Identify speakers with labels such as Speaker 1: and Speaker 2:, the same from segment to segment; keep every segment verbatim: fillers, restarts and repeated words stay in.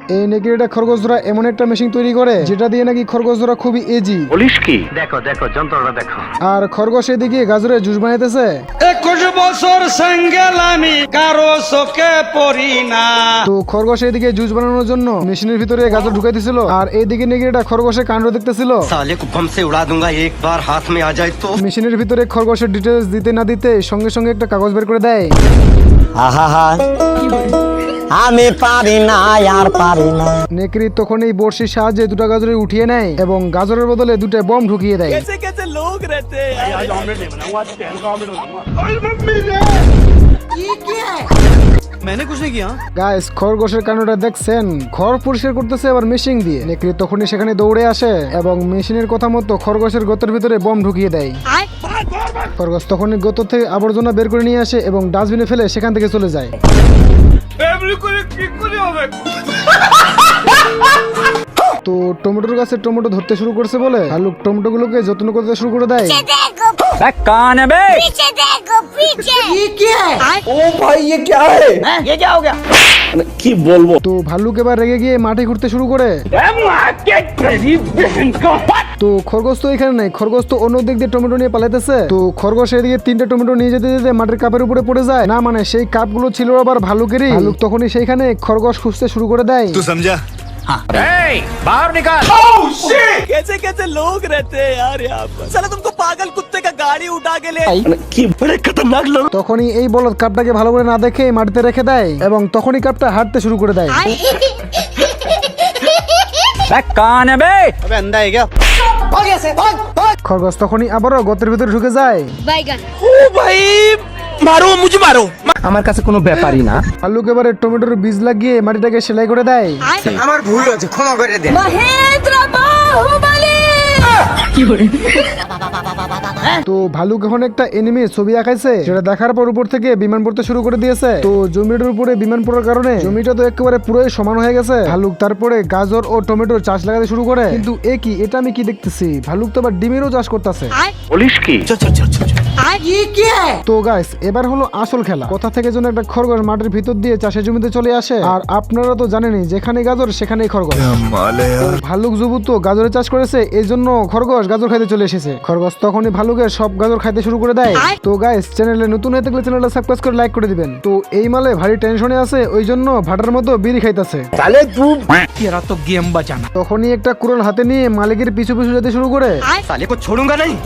Speaker 1: এই নেকড়েটা খরগোশ ধরা এমন একটা মেশিন তৈরি করে যেটা দিয়ে নাকি খরগোশ ধরা খুবই ইজি।
Speaker 2: বলিস কি? দেখো দেখো যন্ত্রটা দেখো।
Speaker 1: আর খরগোশ এদিকে গাজরের জুস বানাইতেছে।
Speaker 3: একুশ বছর সেঙ্গেল আমি কারো চোখে পড়ি না।
Speaker 1: তো খরগোশ এদিকে জুস বানানোর জন্য মেশিনের ভিতরে গাজর ঢুকাই দিছিল, আর এইদিকে নেকড়েটা খরগোশের কাণ্ড দেখতেছিল।
Speaker 4: साले को बम से उड़ा दूंगा एक बार हाथ में आ जाए तो।
Speaker 1: মেশিনের ভিতরে খরগোশের ডিটেলস দিতে না দিতে সঙ্গে সঙ্গে একটা কাগজ বের করে দেয়।
Speaker 5: আহা আমি পারি না আর পারি না।
Speaker 1: নেকড়ি তখন এই বড়শির সাহায্যে দুটা গাজরে উঠিয়ে নেয় এবং গাজরের বদলে দুটো বম ঢুকিয়ে দেয়।
Speaker 3: कैसे कैसे लोग रहते हैं यार। मैंने कुछ नहीं किया।
Speaker 1: গাইস খরগোশের কাণ্ডটা দেখছেন, ঘর পরিষ্কার করতেছে আবার মেশিন দিয়ে। নেকড়ি তখনই সেখানে দৌড়ে আসে এবং মেশিনের কথা মতো খরগোশের গর্তের ভিতরে বম ঢুকিয়ে দেয়। খরগোশ তখনই গর্ত থেকে আবর্জনা বের করে নিয়ে আসে এবং ডাস্টবিনে ফেলে সেখান থেকে চলে যায়। তো টমেটোর গাছে টমেটো ধরতে শুরু করছে বলে ভালুক টমেটো গুলোকে যত্ন করতে শুরু করে দেয়।
Speaker 3: कौन है बे?
Speaker 6: पीछे देखो पीछे। ये क्या है?
Speaker 5: ও ভাই ये क्या है?
Speaker 3: ये क्या हो गया?
Speaker 5: কি বলবো?
Speaker 1: তো ভালুক এবার রেগে গিয়ে মাঠে ঘুরতে শুরু করে। তো খরগোশ তো এখানে নাই, খরগোশ তো অন্য দিক দিয়ে টমেটো নিয়ে পালাইতেছে। তো খরগোশ এদিকে তিনটা টমেটো নিয়ে যেতে যেতে মাটির কাপের উপরে পড়ে যায়। না মানে সেই কাপগুলো ছিল আবার ভালুকেরই। ভালুক তখনই সেইখানে খরগোশ খুঁজতে শুরু করে দেয়।
Speaker 3: बाहर निकाल। कैसे कैसे लोग रहते हैं यार यहाँ पर। साला तुमको पागल कुत्ते का गाड़ी उठा के ले।
Speaker 5: কি বড় খতরনাক লোক।
Speaker 1: তখনই এই বলদ কাপটাকে ভালো করে না দেখে মাটিতে রেখে দেয় এবং তখনই কাপটা হাঁটতে শুরু করে দেয়।
Speaker 3: कौन है बे?
Speaker 4: अबे अंधा है क्या?
Speaker 1: খরগোশ তখনই আবারও গর্তের ভিতরে ঢুকে যায়।
Speaker 6: बैगन।
Speaker 3: ओ भाई मारो मुझे मारो।
Speaker 5: আমার কাছে কোনো ব্যাপারই না।
Speaker 1: ভালুক এবারে টমেটোর বীজ লাগিয়ে মাটিটাকে সেলাই করে দেয়।
Speaker 4: আমার ভুল হয়েছে ক্ষমা করে দে।
Speaker 6: महेंद्र बाहुबली।
Speaker 1: তো ভালুক এখন একটা এনিমি ছবি আঁকাইছে, সেটা দেখার পর উপর থেকে বিমান পড়তে শুরু করে দিয়েছে। তো জমিটার উপরে বিমান পড়ার কারণে জমিটা তো একেবারে পুরোই সমান হয়ে গেছে। ভালুক তারপরে গাজর ও টমেটোর চাষ লাগাতে শুরু করে। কিন্তু এ কি, এটা আমি কি দেখতেছি, ভালুক তো আবার ডিমেরও চাষ করতেছে।
Speaker 2: বলিস কি?
Speaker 6: ये क्या है?
Speaker 1: তো গাইস এবার হলো আসল খেলা। কোথা থেকে যেন একটা খরগোশ মাটির ভিতর দিয়ে চাষের জমিতে চলে আসে। আর আপনারা তো জানেনই যেখানে গাজর সেখানেই খরগোশ। ভালুক জবু তো গাজরের চাষ করেছে, এই জন্য খরগোশ গাজর খাইতে চলে এসেছে। খরগোশ তখনই ভালুকের সব গাজর খাইতে শুরু করে দেয়। তো গাইস চ্যানেলে নতুন হয়ে থাকলে চ্যানেলটা সাবস্ক্রাইব করে লাইক করে দিবেন। তো এই মালে ভারী টেনশনে আছে, ওই জন্য ভাটার মতো বিড়ি খাইতেছে।
Speaker 5: তাহলে তুই
Speaker 3: तेरा तो गेम बचाना।
Speaker 1: তখনই একটা কুড়াল হাতে নিয়ে মালিকের পিছু পিছু যেতে শুরু করে।
Speaker 4: साले को छोड़ूंगा नहीं।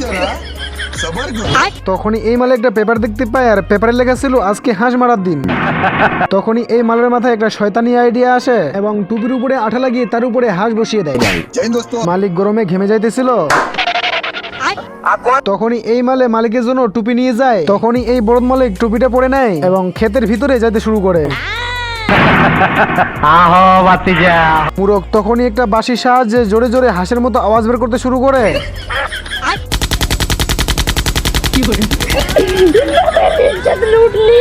Speaker 1: তখনই এই মালে একটা পেপার দেখতে পায়, আর পেপারে লেখা ছিল আজকে হাঁস মারার দিন। তখনই এই মালের মাথায় একটা শয়তানি আইডিয়া আসে এবং টুপির উপরে আঠা লাগিয়ে তার উপরে হাঁস বসিয়ে দেয়। মালিক গরমে ঘেমে যাইতেছিল। তখনই এই মালে মালিকের জন্য টুপি নিয়ে যায়। তখনই এই বড় মালিক টুপিটা পরে নেয় এবং ক্ষেতের ভিতরে যাইতে শুরু করে। মুরগ তখনই একটা বাঁশির সাহায্যে জোরে জোরে হাঁসের মতো আওয়াজ বের করতে শুরু করে।
Speaker 6: लूट ली।